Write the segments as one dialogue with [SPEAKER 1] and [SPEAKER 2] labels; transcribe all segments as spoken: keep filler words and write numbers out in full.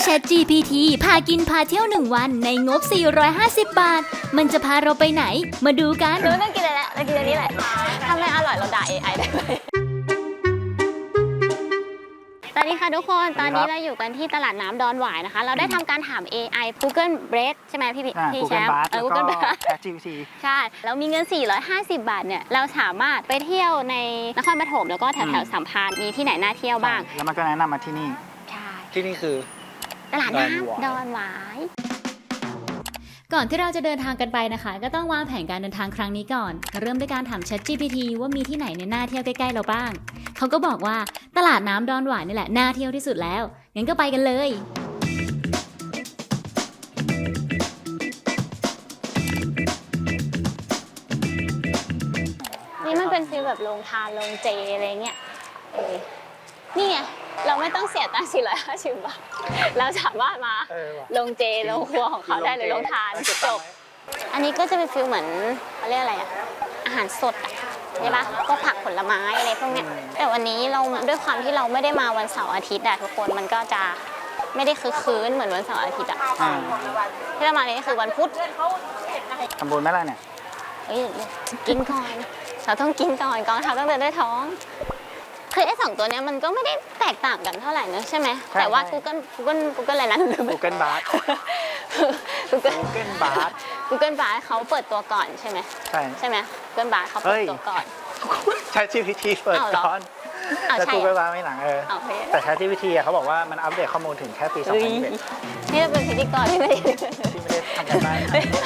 [SPEAKER 1] Chat จี พี ที พากินพาเที่ยวหนึ่งวันในงบ สี่ร้อยห้าสิบ บาท มันจะพาเราไปไหน มาดูกัน
[SPEAKER 2] เราไม่ต้องกินอะไรแล้วเรากินอันนี้แหละถ้าไม่อร่อยเราด่า เอ ไอ ได้เลยสวัสดีค่ะทุกคน ตอนนี้เราอยู่กันที่ตลาดน้ำดอนหวายนะคะ เราได้ทำการถาม เอ ไอ Google Bard ใช่ไหมพี่พี่แชมป์
[SPEAKER 3] เออ Google Bard แล้วก็ Chat จี พี ที
[SPEAKER 2] ใช่แล้วมีเงิน สี่ร้อยห้าสิบ บาทเนี่ย เราสามารถไปเที่ยวในนครปฐมแล้วก็แถวแถวสัมพันธ์มีที่ไหนน่าเที่ยวบ้าง
[SPEAKER 3] แล้วมันก็แนะนำมาที่นี่
[SPEAKER 2] ใช่
[SPEAKER 3] ที่นี่คือ
[SPEAKER 2] ตลาดน้ำดอนหวาย
[SPEAKER 1] ก่อนที่เราจะเดินทางกันไปนะคะ ก็ต้องวางแผนการเดินทางครั้งนี้ก่อน เริ่มด้วยการถาม Chat จี พี ที ว่ามีที่ไหนในน่าเที่ยวใกล้ๆเราบ้างเขาก็บอกว่าตลาดน้ำดอนหวายนี่แหละน่าเที่ยวที่สุดแล้วงั้นก็ไปกันเลย
[SPEAKER 2] นี่มันเป็นฟีลแบบโรงทานโรงเจอะไรเงี้ยนี่ไงเราไม่ต้องเสียตังค์สี่ร้อยห้าสิบบาทเราสามารถมาโรงเจโรงครัวของเขาได้เลยโรงทานจบอันนี้ก็จะเป็นฟีลเหมือนเขาเรียกอะไรอะอาหารสดอะใช่ปะก็ผักผลไม้อะไรพวกเนี้ยแต่วันนี้เราด้วยความที่เราไม่ได้มาวันเสาร์อาทิตย์อะทุกคนมันก็จะไม่ได้คึกคืนเหมือนวันเสาร์อาทิตย์อะที่เรามาเนี่ยคือวันพุธ
[SPEAKER 3] ทำบุญไหมล่ะเนี่ย
[SPEAKER 2] เอ้ยกินก่อนเราต้องกินก่อนกองทัพต้องเดินด้วยท้องคือไอ้สองตัวเนี้ยมันก็ไม่ได้แตกต่างกันเท่าไหร่นะใช่ไหมแต่ว่า Google Google Google อะไรนะ
[SPEAKER 3] Google Bard
[SPEAKER 2] Google
[SPEAKER 3] Google Bard
[SPEAKER 2] Google Bard เขาเปิดตัวก่อนใช่ไหม
[SPEAKER 3] ใช่
[SPEAKER 2] ใช่ไหม Google Bard เขาเปิดตัวก่อน
[SPEAKER 3] Chat จี พี ที เปิดก่อนแต่ Google Bard ไม่หลังเออแต่ Chat จี พี ที เขาบอกว่ามันอัปเดตข้อมูลถึงแค่ปีสองพันยี่สิบเอ็ด
[SPEAKER 2] นี่เราเป็นพิธีกรที่ไม่ได้
[SPEAKER 3] ที่ไม่ได้ทำกันบ้าน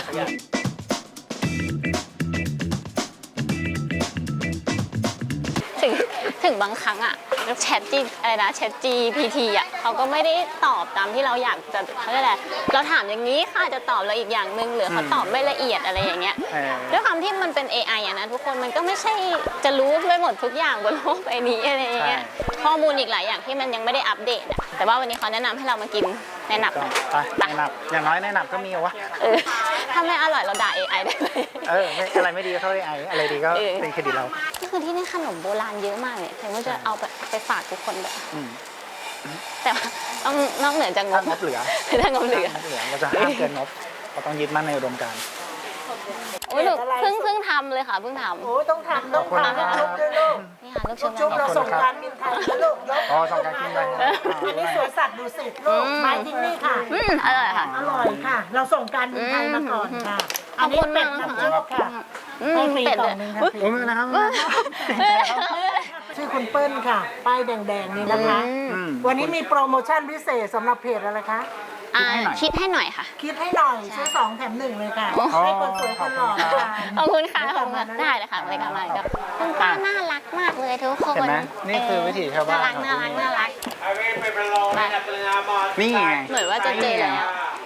[SPEAKER 2] ถึงถึงบางครั้งอะแชทจีอะไรนะแชท จี พี ที อะเขาก็ไม่ได้ตอบตามที่เราอยากจะเขาเรียกอะไรเราถามอย่างนี้ค่ะจะตอบเราอีกอย่างหนึ่งหรือเขาตอบไม่ละเอียดอะไรอย่างเงี้ยด้วยความที่มันเป็น เอ ไอ อะนะทุกคนมันก็ไม่ใช่จะรู้ไปหมดทุกอย่างบนโลกใบนี้อะไรอย่างเงี้ยข้อมูลอีกหลายอย่างที่มันยังไม่ได้อัปเดตอะแต่ว่าวันนี้เขาแนะนำให้เรามากินในหนับนะ
[SPEAKER 3] ในหนับอย่างน้อยในหนับก็มีวะ
[SPEAKER 2] ถ้าไม่อร่อยเราด่า เอ ไอ ได้เลย
[SPEAKER 3] เอออะไรไม่ดีก็เท่า เอ ไอ อะไรดีก็เป็นเครดิตเรา
[SPEAKER 2] ก็คือที่นี่ขนมโบราณเยอะมากเลยเห็นว่าจะเอาไปฝากทุกคนแบบแต่ต้องนอกเหนือจากงบ
[SPEAKER 3] งบเหลือ
[SPEAKER 2] ถ้างบเหลือ
[SPEAKER 3] เราจะห้ามเกินงบเราต้องยึดมั่นในอุดมการณ์
[SPEAKER 2] โอ้ยลูกเพิ่งเพิ่งทำเลยค่ะเพิ่งทำ
[SPEAKER 4] โอ้ต้องทำต้องทำลูกด้วยลูก
[SPEAKER 2] นี่ค่ะลูกชุบ
[SPEAKER 4] ชุบเราส่งการบินไทยนะลูกยก
[SPEAKER 3] อ๋อส่งการบินไทย
[SPEAKER 4] อันนี้สวนสัตว์ดูสิลูกไม้ที่นี่ค่ะ
[SPEAKER 2] อืมอร่อยค่ะ
[SPEAKER 4] อร่อยค่ะเราส่งการบินไทยมาก่อนค่ะอันนี้เป็ดน้ำซุปค่ะให้ฟรีกล่องนึงค่ะ
[SPEAKER 3] โอ้ยนะครับ
[SPEAKER 4] ชื่อคุณเปิ้ลค่ะป้ายแดงๆนี่นะคะวันนี้มีโปรโมชั่นพิเศษสำหรับเพจอะไรคะ
[SPEAKER 2] คิดให้หน่อยค่ะ
[SPEAKER 4] คิดให้หน่อยซื้อสองแถมหนึ่งเลยค่ะให้คนสวยคนหล่อ
[SPEAKER 2] ขอบคุณค่ะขอบคุณได้เลยค่ะบริการมากับคุณป้าน่ารักมากเลยทุกคน
[SPEAKER 3] เห็นไหมนี่คือวิถีชาวบ้าน
[SPEAKER 2] น่ารักน่ารัก
[SPEAKER 3] นี่ไง
[SPEAKER 2] เหมือนว่าจะเจอแล้ว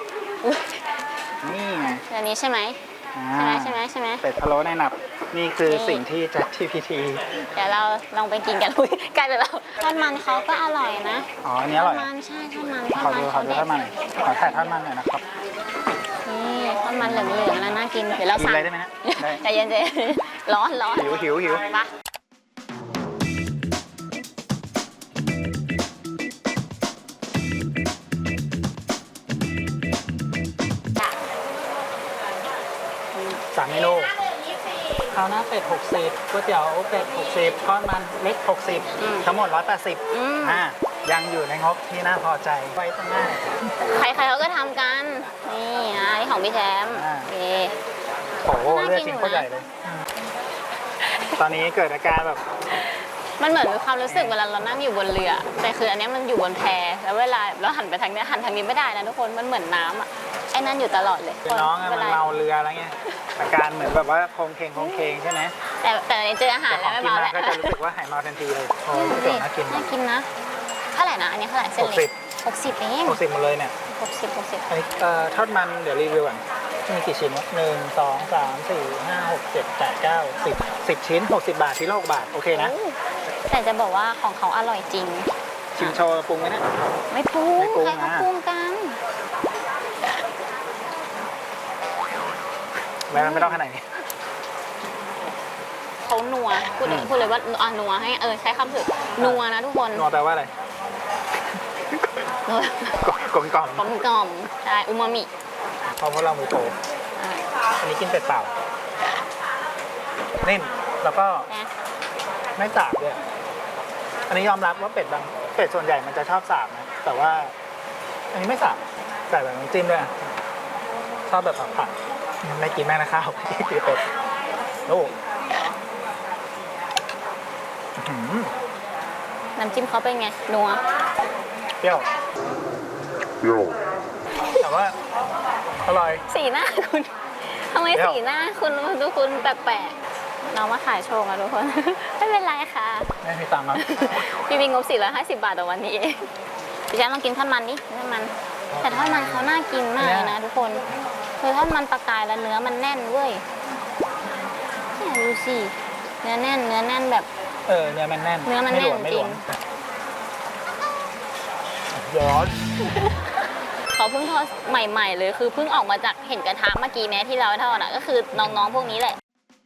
[SPEAKER 3] นี่ไง
[SPEAKER 2] อันนี้ใช่ไหมใช่ไหมใช่ไหมใช่ไหม
[SPEAKER 3] เป็ดพะโล้ในหนับนี่คือสิ่งที่ Chat จี พี ที
[SPEAKER 2] เดี๋ยวเราลองไปกินกันใกล้ไปแล้วทอดมันเขาก็อร่อยนะ
[SPEAKER 3] อ๋ออันนี้อร่อย
[SPEAKER 2] ทอดมันใช่ทอดมัน
[SPEAKER 3] ขอดูขอดูทอดมันหน่อยขอถ่ายทอดมันหน่อยนะครับ
[SPEAKER 2] นี่ทอดมันเหลืองๆแล้วน่ากินเดี๋ยวเราสั่ง
[SPEAKER 3] ได้ไหมฮะ
[SPEAKER 2] ใจเย็นๆร้อนร้อน
[SPEAKER 3] หิวหิวหิว
[SPEAKER 2] มา
[SPEAKER 3] สามเมนูข้าวหน้าเป็ดหกสิบก๋วยเตี๋ยวเป็ดหกสิบทอดมันเล็กหกสิบทั้งหมดหนึ่งร้อยแปดสิบอ่ายังอยู่ในงบที่น่าพอใจไว้ตั้งหน้า
[SPEAKER 2] ใครๆเขาก็ทำกันนี่อ่ะนี่ของพี่แชมป์โอเค
[SPEAKER 3] โอ้โหเลือดชิ้นโคตรใหญ่เลยตอนนี้เกิดอาการแบบ
[SPEAKER 2] มันเหมือนมีความรู้สึกเวลาเรานั่งอยู่บนเรือแต่คืออันนี้มันอยู่บนแพแล้วเวลาเราหันไปทางนี้หันทางนี้ไม่ได้นะทุกคนมันเหมือนน้ำอ่ะไอ้นั่นอยู่ตลอดเลย
[SPEAKER 3] น้องมันเมาเรืออะไรเงี้ยอาการเหมือนแบบว่าโคงเคงโคงเคงใช่ไหม
[SPEAKER 2] แต่แต่เจออาหารแล้วไม่เมาแล้ว
[SPEAKER 3] ก็จะรู้สึกว่าหายเมาทันทีเลยโอ้ยน่ากิน
[SPEAKER 2] น่ากินนะเท่าไหร่นะอันนี้เท่าไหร่เส้นเล็กหกสิบเอง
[SPEAKER 3] หกสิบหมดเลยเนี่ย
[SPEAKER 2] หกสิบหกสิบ
[SPEAKER 3] อันนี้ทอดมันเดี๋ยวรีวิวก่อนมีกี่ชิ้นหนึ่งสองสามสี่ห้าหกเจ็ดแปดเก้าสิบสิบชิ้นหกสิบบาทชิ้นละหกบาทโอเคนะ
[SPEAKER 2] แต่จะบอกว่าของเขาอร่อยจริง
[SPEAKER 3] ชิมโชว์ปรุงไหมนะ
[SPEAKER 2] ไม่ปรุงใครเขาปรุงกัน
[SPEAKER 3] ไม่ไม่ต้องขนาดนี้
[SPEAKER 2] เขานัวพูดเลยพูดเลยว่าอ่ะนัวให้เออใช้คำถึกนัวนะทุกคน
[SPEAKER 3] นัวแปลว่าอะไร
[SPEAKER 2] นัว
[SPEAKER 3] กลมกล่อม
[SPEAKER 2] กลมกล่อมใช่อูมามิ
[SPEAKER 3] เพราะพวกเรามือโปร
[SPEAKER 2] อ่า
[SPEAKER 3] อันนี้กินเป็ดเปล่านิ่มแล้วก็
[SPEAKER 2] นะ
[SPEAKER 3] ไม่สาบด้วย อันนี้ยอมรับว่าเป็ดบางเป็ดส่วนใหญ่มันจะชอบสาบนะ แต่ว่า อันนี้ไม่สาบใส่แบบน้ำจิ้มด้วย ชอบแบบผัดๆไม่กินแม่นะข้าวกินเป็ดลูกอื้อหือ
[SPEAKER 2] น้ำจิ้มเขาเป็นไงนัว
[SPEAKER 3] เปรี้ยวเปรี้ยวแต่ว่าอร่อย
[SPEAKER 2] สีหน้าคุณทำไม
[SPEAKER 3] เดี๋ยว
[SPEAKER 2] สีหน้าคุณดูคุณแปลกๆน้องมาขายโชว์อะทุกคน ไม่เป็นไรค่ะ
[SPEAKER 3] ไม่มีตังค์ครับ
[SPEAKER 2] พี่มีงบสี่ร้อยห้าสิบบาทต่อวันนี้เองพี่แจ๊คลองกินทอดมันดิทอดมัน แต่ทอดมันเขาน่ากินมากเลยนะทุกคนคือทอดมันปลากายแล้วเนื้อมันแน่นเว้ยเนี่ยดูสิเนื้อแน่นเนื้อแน่นแบบ
[SPEAKER 3] เออเนื้อมันแน่น
[SPEAKER 2] เนื้อมัน
[SPEAKER 3] ไหลว
[SPEAKER 2] แน่น
[SPEAKER 3] ไม่หลว
[SPEAKER 2] จริง
[SPEAKER 3] ย้อน
[SPEAKER 2] เขาเพิ่งทอดใหม่ๆเลยคือเพิ่งออกมาจากเห็นกระทะเมื่อกี้แม้ที่เราทอดอ่ะก็คือน้องๆพวกนี้แหละ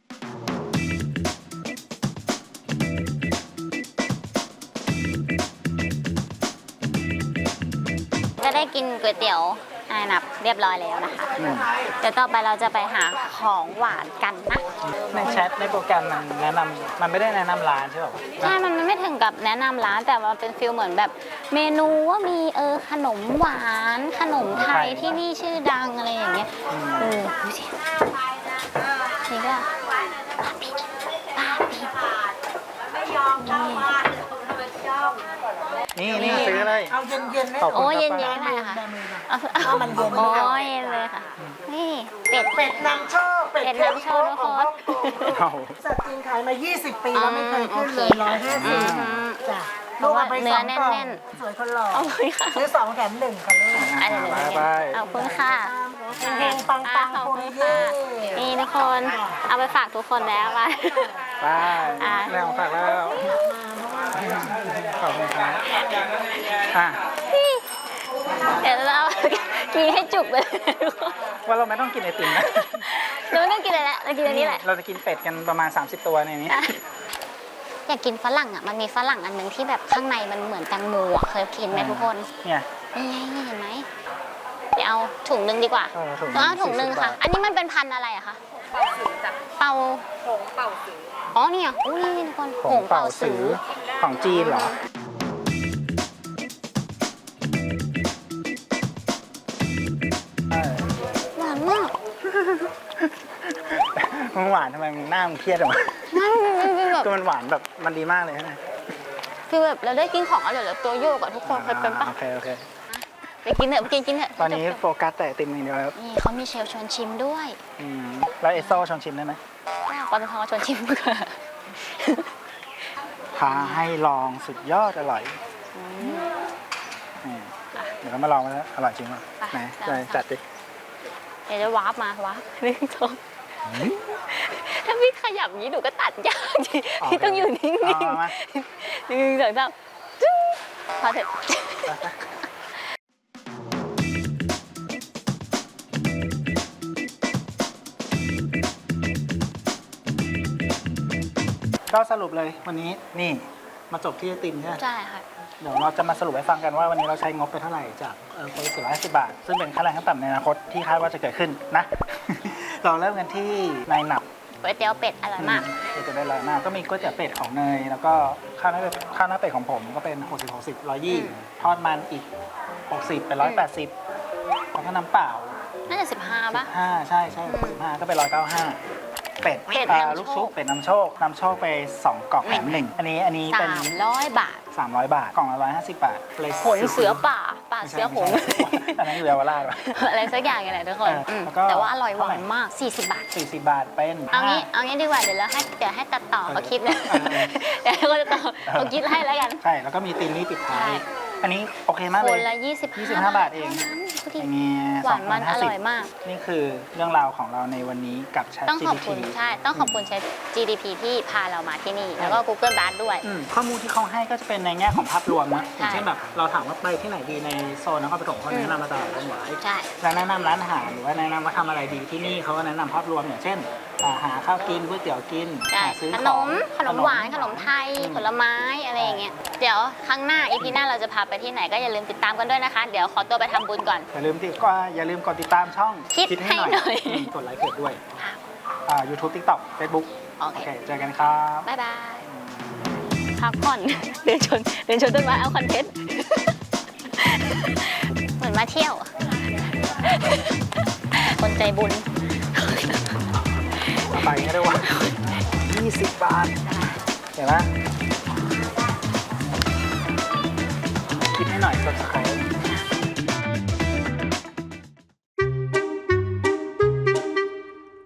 [SPEAKER 2] ก็ได้กินก๋วยเตี๋ยวอาหนับเรียบร้อยแล้วนะคะ
[SPEAKER 3] อืม
[SPEAKER 2] เดี๋ยวต่อไปเราจะไปหาของหวานกันนะ
[SPEAKER 3] ในแชทในโปรแกรมมันแนะนำมันไม่ได้แนะนำร้านใช่ป่ะ
[SPEAKER 2] ใช่ มันไม่ถึงกับแนะนำร้านแต่ว่าเป็นฟิลเหมือนแบบเมนูว่ามีเออขนมหวานขนมไทยที่นี่ชื่อดังอะไรอย่างเงี้ยเออดูสินี่ก็ปาปิปาปินี่
[SPEAKER 3] นี่นี่ซื้อเลย
[SPEAKER 4] เอาเย็นๆไหม
[SPEAKER 3] ขอบคุณ
[SPEAKER 2] โอ้ย
[SPEAKER 3] ครับ
[SPEAKER 2] เย็นๆได้ค่ะ เอา
[SPEAKER 4] ถ้ามันเย็น
[SPEAKER 2] โอ้ยเย็นเลยค่ะ นี่เป็ด
[SPEAKER 4] เป็ดนำโชคเป็ด
[SPEAKER 2] เป็ดนำโชคทุกคน
[SPEAKER 3] เอา
[SPEAKER 4] สัตว์จีนขายมา ยี่สิบ ปีแล้วไม่เคยขึ้นเลยร้อยห้า
[SPEAKER 2] อื
[SPEAKER 4] สิบ
[SPEAKER 2] ม
[SPEAKER 4] จ้ะ
[SPEAKER 2] เพ
[SPEAKER 4] ลูก
[SPEAKER 2] ราะว่า
[SPEAKER 4] เอาไป
[SPEAKER 2] เนื้
[SPEAKER 4] ส
[SPEAKER 2] อ
[SPEAKER 4] อง
[SPEAKER 2] แน่
[SPEAKER 4] กล่อง
[SPEAKER 2] น
[SPEAKER 4] สวยคนหล่อ
[SPEAKER 2] เอาเลยค่ะ
[SPEAKER 4] ซื้อสองแถมหนึ่งค่ะลูก
[SPEAKER 2] อันนี้
[SPEAKER 3] บายบาย
[SPEAKER 2] ขอบคุณค่ะ
[SPEAKER 4] เฮงปังปัง
[SPEAKER 2] ขอบ
[SPEAKER 4] ปุ
[SPEAKER 2] คุ
[SPEAKER 4] ริ
[SPEAKER 2] ณ
[SPEAKER 4] เย่
[SPEAKER 2] ค่ะนี่ทุกคน เอาไปฝากทุกคนแล้วไป
[SPEAKER 3] ไป
[SPEAKER 2] อ่ะ
[SPEAKER 3] แล้วฝากแล้วขอบคุณครับอ่ะ
[SPEAKER 2] เดี๋ยวเรากินให้จุกเลยทุกคน
[SPEAKER 3] ว่าเราไม่ต้องกินไอติมนะ
[SPEAKER 2] เราไม่ต้องกินอะไรแล้วเรากินอันนี้แหละ
[SPEAKER 3] เราจะกินเป็ดกันประมาณ สามสิบ ตัวในนี้
[SPEAKER 2] อยากกินฝรั่งอ่ะ มันมีฝรั่งอันหนึงที่แบบข้างในมันเหมือนแตงโมอ่ะ เคยกินไหมทุกคน
[SPEAKER 3] เนี่ย
[SPEAKER 2] นี่ไงนี่เห็นไหมเดี๋ยวเอาถุงหนึงดีกว่า
[SPEAKER 3] เออถุง
[SPEAKER 2] ต้องเอาถุงหนึง
[SPEAKER 3] สี่สิบ
[SPEAKER 2] ค่ะ
[SPEAKER 3] บาท
[SPEAKER 2] อันนี้มันเป็นพันธุ์อะไรอะคะ เป่าสือจ้ะ เป่าผงเป่าสือ อ๋อนี่อ่ะอุ้ยนี่ทุกคน
[SPEAKER 3] ผงเป่าสือของจีนเหรอ เออ
[SPEAKER 2] หวานมาก
[SPEAKER 3] มันหวานทำไมมึงหน้ามึงเครียดออกมา
[SPEAKER 2] มันมันแบบ
[SPEAKER 3] ก็มันหวานแบบมันดีมากเลยใช่ไหม
[SPEAKER 2] คือแบบเราได้กินของอร่อยแล้วตัวโยกอะทุกคนเคยเป็นปะ
[SPEAKER 3] โอเคโอเค
[SPEAKER 2] ไปกินเถอะไปกินกินเถอะ
[SPEAKER 3] ตอนนี้โฟกัสแต่ไอติมอย่างเดียวครับ
[SPEAKER 2] นี่เขามีเชลชวนชิมด้วย
[SPEAKER 3] อืมแล้วเอสโซชอนชิมได้ไหม
[SPEAKER 2] ปตทชวนชิมดีกว่า
[SPEAKER 3] ท้าให้ลองสุดยอดอร่อย
[SPEAKER 2] อืม
[SPEAKER 3] นี่เดี๋ยวเรามาลองกันแล้วอร่อยจริงป่ะ
[SPEAKER 2] ไป
[SPEAKER 3] ไหน
[SPEAKER 2] ได้
[SPEAKER 3] เลย
[SPEAKER 2] ค่ะ
[SPEAKER 3] จัดดิ
[SPEAKER 2] เดี๋ยวจะวาร์ปมาวาร์ปหนึ่งสองถ้าพี่ขยับอย่างนี้หนูก็ตัดยากดิพี่ต้องอยู่นิ่ง
[SPEAKER 3] เอามา
[SPEAKER 2] ๆหนึ่งสองสามจึ๊งพอเถอะ
[SPEAKER 3] ไปไปก็สรุปเลยวันนี้นี่มาจบที่ไอติมใช่ไหม
[SPEAKER 2] ใช่ค่ะ
[SPEAKER 3] เดี๋ยวเราจะมาสรุปให้ฟังกันว่าวันนี้เราใช้งบไปเท่าไหร่จากเอ่อคนละสี่ร้อยห้าสิบบาท ซึ่งเป็นค่าแรงขั้นต่ำในอนาคตที่คาดว่าจะเกิดขึ้นนะ เราเริ่มกันที่นายหนับ
[SPEAKER 2] ก๋วยเตี๋ยวเป็ดอร่อยมาก
[SPEAKER 3] ก็จะได้รายมากก็มีก๋วยเตี๋ยวเป็ดของเนย แล้วก็ข้าวหน้าเป็ดข้าวหน้าเป็ดของผมก็เป็นหกสิบ หกสิบ ร้อยยี่
[SPEAKER 2] อืม
[SPEAKER 3] ทอดมันอีกหกสิบเป็นร้อยแปดสิบแล้วก็น้ำเปล่า
[SPEAKER 2] น่าจะสิบห้าป่ะ
[SPEAKER 3] ห้าใช่ใช่สิบห้าก็เป็นร้อยเก้าห้าเป็ด
[SPEAKER 2] เป็ด
[SPEAKER 3] อ่า
[SPEAKER 2] น้ำโชค
[SPEAKER 3] ลูกชุบเป็ดน้ำโชคนำโชคไปสองกล่องแถมหนึ่งอันนี้อันนี้
[SPEAKER 2] สา
[SPEAKER 3] เป็น
[SPEAKER 2] มร้อยบาท
[SPEAKER 3] สามร้อยบาทกล่องละร้อยห้าสิบบาทเลย
[SPEAKER 2] ผลเสือป่า ป่า
[SPEAKER 3] ไม่ใช่
[SPEAKER 2] เสือผง
[SPEAKER 3] ไม่ใช่อันนั้นอยู่เยาวราชวะ
[SPEAKER 2] อะไรสักอย่างอย่างไรทุกคน
[SPEAKER 3] เอออื
[SPEAKER 2] ม
[SPEAKER 3] แล้วก็
[SPEAKER 2] แต่ว่าอร่อยหวา
[SPEAKER 3] เท่าไหร่
[SPEAKER 2] นมาก สี่สิบบาท
[SPEAKER 3] สี่สิบบาทเป็น
[SPEAKER 2] เอางี้
[SPEAKER 3] ห้
[SPEAKER 2] เอางี้ดีกว่า เดี๋ยวเราให้ เดี๋ยวให้ตัดต่อเขาคิดนะ
[SPEAKER 3] เออเออ
[SPEAKER 2] เดี๋ยวเขาจะต่อเขาคิดให้แล้วกัน
[SPEAKER 3] ใช่แล้วก็มีตีนนี่ปิดท้าย
[SPEAKER 2] ใช่
[SPEAKER 3] อันนี้โอเคมาก
[SPEAKER 2] ค
[SPEAKER 3] เลย
[SPEAKER 2] นละยี่สิบ
[SPEAKER 3] ยี่สิบห้าบาทเอง
[SPEAKER 2] ท่านั้นดูดิ
[SPEAKER 3] อย่างเงี้ย
[SPEAKER 2] หวานมันอร่อยมาก
[SPEAKER 3] นี่คือเรื่องราวของเราในวันนี้กับ Chat
[SPEAKER 2] ต้อง
[SPEAKER 3] จี
[SPEAKER 2] ขอบ
[SPEAKER 3] พี
[SPEAKER 2] คุณ
[SPEAKER 3] ที
[SPEAKER 2] ใช่ ต้องขอบคุณ Chat จี ดี พี ที่พาเรามาที่นี่ แล้วก็ Google Bard ด้วย
[SPEAKER 3] อืมข้อมูลที่เขาให้ก็จะเป็นในแง่ของภาพรวมนะอย่าง
[SPEAKER 2] ใช่
[SPEAKER 3] เช่นแบบเราถามว่าไปที่ไหนดีในโซนนครปฐมเขาแนะนำมาตลาดต้นหวาย
[SPEAKER 2] ใช่
[SPEAKER 3] แล้วแนะนำร้านอาหารหรือว่าแนะนำว่าทำอะไรดีที่นี่เขาก็แนะนำภาพรวมอย่างเช่นอ่าหาข้าวกินก๋วยเตี๋ยวกิน
[SPEAKER 2] ใช่
[SPEAKER 3] หาซื้อ
[SPEAKER 2] ข
[SPEAKER 3] ข
[SPEAKER 2] น
[SPEAKER 3] อง
[SPEAKER 2] มขนมหวานขนมไทยผลไม้อะไรอย่างเงี้ยเดี๋ยวครั้งหน้าอีพีหน้าเราจะพาไปที่ไหนก็อย่าลืมติดตามกันด้วยนะคะ เดี๋ยวขอตัวไปทำบุญก่อน
[SPEAKER 3] อย่าลืมติดก็อย่าลืมกดติดตามช่อง
[SPEAKER 2] คิดให้หน่อย
[SPEAKER 3] มกดไลค์เพจด้วย
[SPEAKER 2] ค่ะ
[SPEAKER 3] อ่า YouTube TikTok Facebook
[SPEAKER 2] โอ
[SPEAKER 3] โอ
[SPEAKER 2] เค
[SPEAKER 3] เคเจอกันครับ
[SPEAKER 2] บ๊ายบายพักผ่อน เดินชนเดินชนต้นไม้เอาคอนเทนต์ เหมือนมาเที่ยว คนใจบุญ
[SPEAKER 3] ไปก็ได้ว่ายี่สิบบาท เห็นไหมคิดให้หน่อย subscribe